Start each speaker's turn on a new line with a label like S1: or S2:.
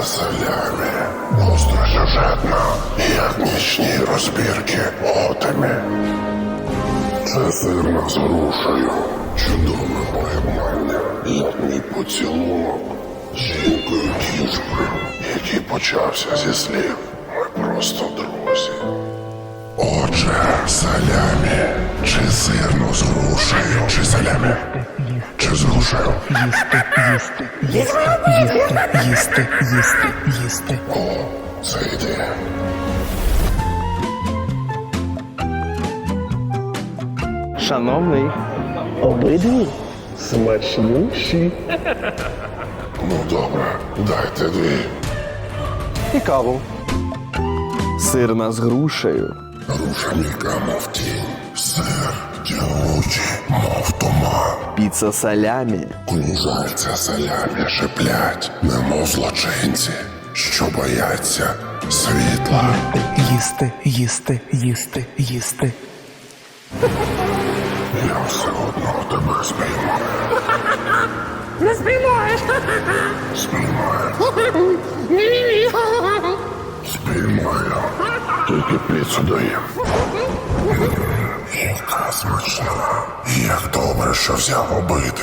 S1: салямі. Гостросюжетна, як нічні розбірки отемі. Це сирна з грушею, чудове поєднання, як мій поцілунок з жінкою-кішкою, який почався зі слів «Ми просто друзі». Отже, салямі, чи сирно з грушею, чи салямі, чи з грушею?
S2: Їсти.
S1: О, це ідея.
S3: Шановний, обидві смачніші.
S1: Ну добре, дайте дві.
S3: І каву. Сирна з грушею.
S1: Груша м'яка, мов тінь, сир тягучий, мов туман.
S3: Піца салямі.
S1: Кунжальця салямі шиплять, немов злочинці, що бояться світла.
S2: Їсти.
S1: Я все одно тебе спіймаю.
S4: Не спіймаєш.
S1: Спіймаю.
S4: Ні.
S1: Спіймаю. Тільки піцу дає. Яка смачна. Як добре, що взяв обидві.